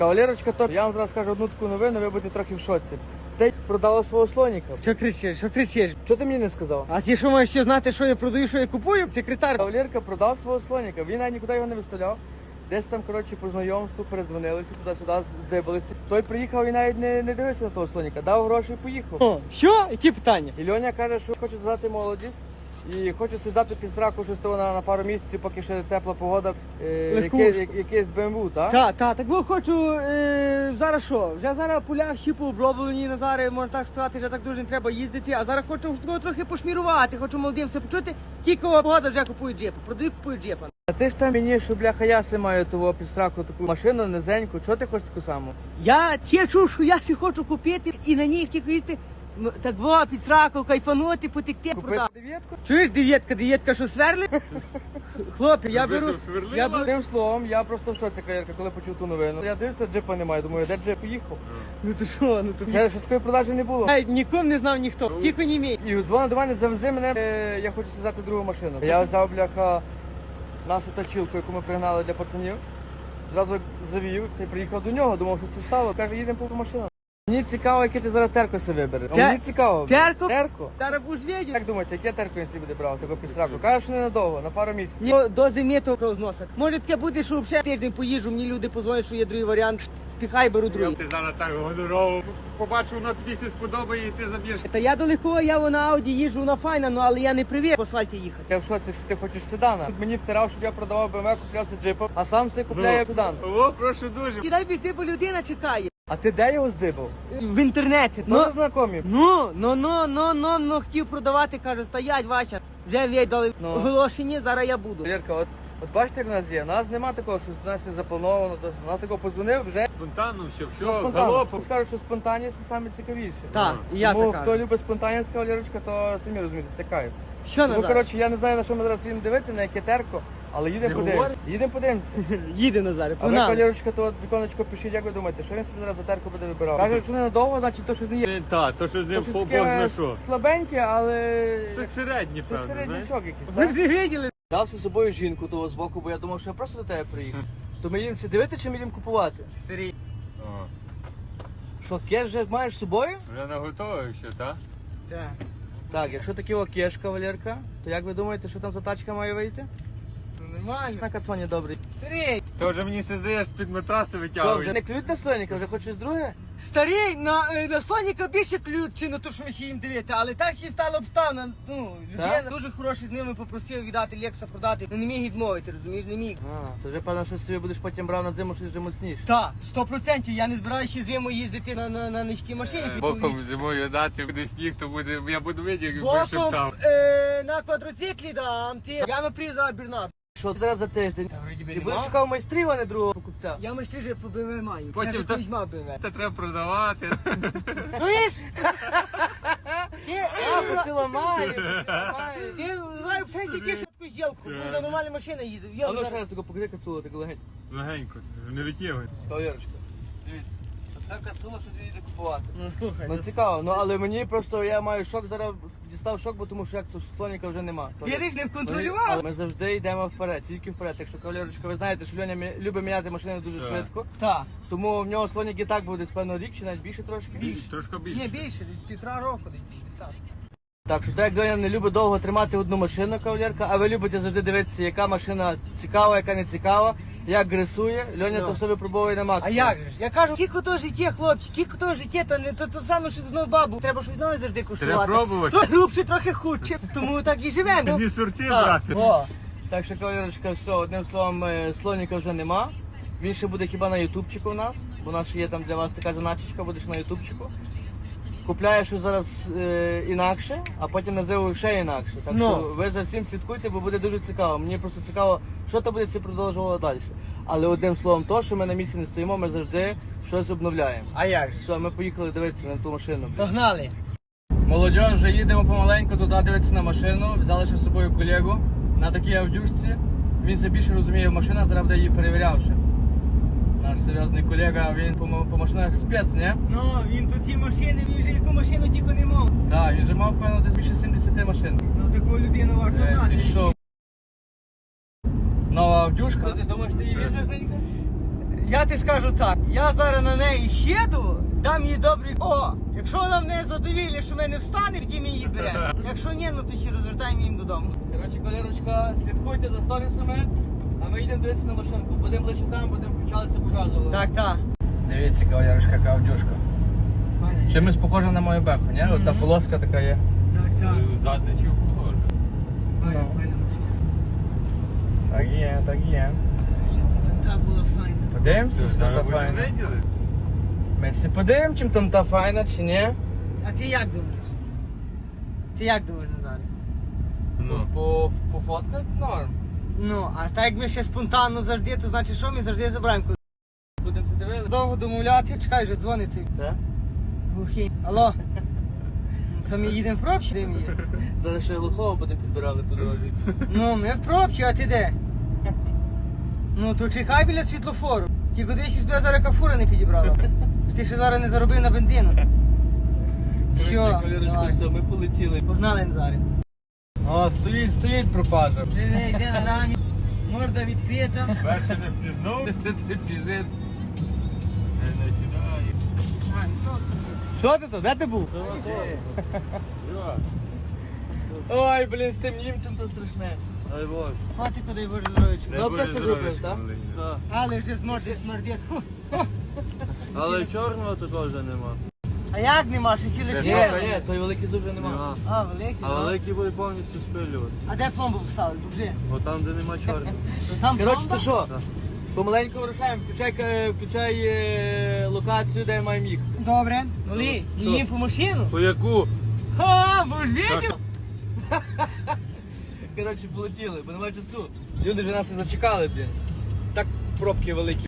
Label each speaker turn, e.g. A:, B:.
A: Кавалерочка, то я вам зараз скажу одну таку новину, ви будете трохи в шоці. Ти продала свого слоніка.
B: Що кричиш, що кричиш?
A: Що ти мені не сказав?
B: А ти що маєш ще знати, що я продаю, що я купую? Секретар.
A: Кавалерка продав свого слоніка, він навіть нікуди його не виставляв. Десь там, коротше, по знайомству передзвонилися, туди-сюди здибалися. Той приїхав і навіть не дивився на того слоніка, дав гроші і поїхав.
B: О, що? Які питання?
A: І Льоня каже, що хоче задати молодість і хоче сідати під сраку щось того на пару місяців, поки ще тепла погода, якийсь BMW, так?
B: Так бо хочу, зараз що? Вже зараз поля всі пооброблені, на зараз, можна так сказати, вже так дуже не треба їздити, а зараз хочу такого трохи пошмірувати, хочу молодим все почути, тільки погода вже купую джипа, продаю, купую джипа.
A: А ти ж там мені, що бляха, яси маю того під сраку таку машину низеньку, чого ти хочеш таку саму?
B: Я чую, що я всі хочу купити і на ній тільки їсти, так во, під сраку, кайфанути, потекти, продати.
A: Дев'ятку?
B: Чуєш, дев'ятка, що сверли? Хлопці, я беру...
A: Тим словом, я просто в шоці, Кавалерка, коли почув ту новину. Я дивився, джипа немає, думаю, де джип поїхав?
B: Ну то що,
A: Що такої продажі не було.
B: Навіть нікому не знав ніхто, тільки не мій.
A: І дзвонив до мене, завези мене, я хочу сідати другу машину. Я взяв, бляха, нашу тачілку, яку ми пригнали для пацанів. Зразу завів, ти приїхав до нього, думав, що це стало. Каже, їдемо по машину. Мені цікаво, яке ти зараз терко себе вибереш. А мені цікаво.
B: Терко?
A: Терко?
B: Зараз будеш видіти.
A: Як думаєте, яке терко він собі буде брав, такого підсраку? Каже, що ненадовго, на пару місяців.
B: Ні, до зими того зносить. Може таке буде, що взагалі тиждень поїжджу, мені люди позвонять, що є другий варіант. Спіхай, беру другий.
C: Ти зараз так гонорово побачив, воно тобі все сподобає і ти заб'єш.
B: Та я далеко, я на Ауді їжджу, вона файна, ну але я не привик по асфальті їхати.
A: Я в шоці, що ти хочеш седана. Тут мені втирав, щоб я продавав BMW, куплявся джипом, а сам все купляє седан.
C: О, прошу дуже.
B: Кидай біси, бо людина чекає.
A: А ти де його здибав?
B: В інтернеті.
A: Тоже знайомі?
B: Ну, хотів продавати, каже, стоять, Вася. Вже віддали
A: Ну.
B: оголошення, зараз я буду.
A: Вірка, от бачите, як в нас є? У нас нема такого, що у нас є заплановано, у нас такого подзвонив, вже
C: Спонтанно все,
A: спонтанно.
C: галопом.
A: Скажу, що спонтанність це саме цікавіше.
B: Так, і я
A: Тому
B: така.
A: хто любить спонтанність, кавалерочка, то самі розумієте, це кайф.
B: Що
A: Ну,
B: назад?
A: коротше, я не знаю, на що ми зараз їдемо дивити, на яке терко, але їдемо
C: Не
A: подивимося.
C: говори.
A: Їдемо подивимося.
B: Їде Назаре,
A: А ви,
B: погнали.
A: кавалерочка, то от віконечко пишіть, як ви думаєте, що він собі зараз за терку буде вибирав? Каже, якщо не надовго, значить то щось не є.
C: Так, то що з ним
A: То щось
C: Бог
A: таке
C: знає що.
A: слабеньке, але
C: Щось середнє,
A: щось
C: певно, знаєш.
A: середнячок якийсь,
B: Ви
A: так?
B: не виділи?
A: Дав з собою жінку того з боку, бо я думав, що я просто до тебе приїхав. То ми їдемо дивити чи ми їдемо купувати?
B: Старий.
C: О,
A: Що, кеш вже маєш з собою?
C: вже наготовив ще, так?
B: Так.
A: Так, якщо такий кеш, кавалерка, то як ви думаєте, що там за тачка має вийти?
B: Ну нормально.
A: На кацоні добрий.
B: Старий.
C: Ти вже мені це здаєш з-під матраси
A: Що, вже
C: витягує.
A: не клюють на Соніка, вже хочеш друге?
B: Старий, на Соніка більше ключ, чи на те, що ми ще їм дивити, але так ще стало обставина. Ну, людина дуже хороший з ними попросив віддати Лекса продати. Ну не міг відмовити, розумієш, не міг.
A: А, то вже певно, що собі будеш потім брав на зиму щось вже моцніше.
B: Так, 100%. Я не збираюся ще зиму їздити на низькій машині. що
C: Боком
B: чоловік.
C: зимою дати, буде сніг, то буде, я буду видіти, як
B: Боком
C: вишептав.
B: на квадроциклі дам, ти. Я на приза Бернат.
A: Що зараз за тиждень? Ти будеш шукав майстрів, а не другого покупця.
B: Я майстри вже по БМВ маю.
C: Потім
B: Каже,
C: та-
B: візьма БМВ.
C: Це треба продавати.
B: Чуєш? Ти,
A: А, посиламаю.
B: ти, давай в часі ті швидку зілку, бо на нормальна машина їздив.
A: А
B: Я
A: ну ще
B: зараз...
A: раз таку покажи кацулу, так легенько.
C: Легенько, не витягуй.
A: Кавалерочка, дивіться. Така кацула, що ти їде купувати.
B: Ну слухай,
A: Ну цікаво, ну але мені просто я маю шок, зараз дістав шок, бо тому що як то слоніка вже нема.
B: Видиш, не
A: Але
B: контролював.
A: ми завжди йдемо вперед, тільки вперед. Якщо кавалерочка, ви знаєте, що Льоня любить міняти машини дуже
C: Так.
A: швидко,
B: Так.
A: тому в нього слонік і так буде певно рік чи навіть більше трошки.
C: Трошки
B: Ні,
C: більше.
B: більше, десь 1,5 року десь так.
A: Так що так як Льоня не любить довго тримати одну машину, кавалерка, а ви любите завжди дивитися, яка машина цікава, яка не цікава, як гресує, Льоня
B: Ну.
A: то все випробовує на
B: А
A: максимум.
B: як же ж? Я кажу, кілько то життя, хлопці, кілько то життя, то не то саме, що знову бабу. Треба щось нове завжди куштувати.
C: Треба пробувати.
B: Трохи грубше, трохи худше. Тому так і живемо.
C: Не сорти,
B: Так.
C: брати.
B: О.
A: Так що, кавалерочка, все, одним словом, слоніка вже нема. Він ще буде хіба на ютубчику у нас, бо у нас ще є там для вас така заначечка, будеш на ютубчику. Купляєш щось зараз інакше, а потім називаю ще інакше. Так
B: Ну.
A: що ви за всім слідкуйте, бо буде дуже цікаво. Мені просто цікаво, що то буде це продовжувало далі. Але одним словом, то, що ми на місці не стоїмо, ми завжди щось обновляємо.
B: А як же?
A: Все, ми поїхали дивитися на ту машину.
B: Погнали.
A: Молодь, вже їдемо помаленьку туди дивитися на машину. Взяли ще з собою колегу на такій авдюшці. Він все більше розуміє в машинах, зараз буде її перевіряв ще. Наш серйозний колега, він по машинах спец, не?
B: Ну, він тут ті машини, він вже яку машину тільки не мав.
A: Так, він вже мав, певно, десь більше 70 машин.
B: Ну, таку людину варто брати.
A: Ти що? Нова авдюшка. Ти думаєш, ти її візьмеш, Ненька?
B: Я ти скажу так, я зараз на неї їду, дам їй добрий. О, якщо вона мене задовільне, що мене встане, тоді ми її беремо. Якщо ні, ну то ще розвертаємо їм додому.
A: Коротше, колірочка, слідкуйте за сторісами, а ми йдемо дивитися на машинку. Будемо лише там, будемо включатися, показувати.
B: Так, так.
A: Дивіться, кавалерочка, яка авдюшка. Чимось похожа на мою беху, ні? От та полоска така є.
B: Так, так.
C: Задне чи похоже?
B: Файна машина.
A: Так є, так є.
B: Та була файна.
A: Подивимося,
C: Що,
A: чи там та
C: зараз будемо
A: файна.
C: виділи?
A: Ми всі подивимо, чим там та файна, чи ні.
B: А ти як думаєш? Ти як думаєш, Назаре?
C: Ну.
A: По фотках норм.
B: Ну, а так як ми ще спонтанно завжди, то значить що, ми завжди забираємо.
A: Будемо це дивитися.
B: Довго домовляти, чекай, вже дзвонить цей
A: Так?
B: глухий. Алло? То ми їдемо в пробчі, де ми є?
A: Зараз ще глухого будемо підбирали по дорозі.
B: Ну, ми в пробчі, а ти де? Ну, то чекай біля світлофору. Тільки дивись, що тебе зараз кафура не підібрала. Що ти ще зараз не заробив на бензину. Що? Давай.
A: Все, ми полетіли.
B: Погнали, Назаре.
A: О, стоїть пропажа.
B: Диви, йде на рамі, морда відкрита.
C: Перше не впізнав,
A: Ти біжить.
C: не сідає.
B: А, і знову стоїть.
A: Що ти то? Де ти був?
C: Що?
A: Ой, блін, з тим німцем то страшне.
C: Дай Боже.
B: А ти куди будеш здоровичка?
A: Добре, що зробиш, так?
C: Так.
B: Але вже зморди смердить. Ху.
C: Але чорного такого вже нема.
B: А як нема, що ці лише?
A: Є, той великий зуб вже нема.
B: А, великий.
C: А
B: ну.
C: великий буде повністю спилювати.
B: А де пломбу поставили? Покажи.
C: Бо там, де нема чорного.
B: То там
A: Коротше,
B: пломба?
A: то що?
C: Так.
A: Помаленьку вирушаємо, включай локацію, де маємо їхати.
B: Добре. Олі,
A: Що?
B: їм по машину?
C: По яку?
B: Ха, бо ж видів?
A: Коротше, полетіли, бо немає часу. Люди вже нас і зачекали, блін. Так пробки великі.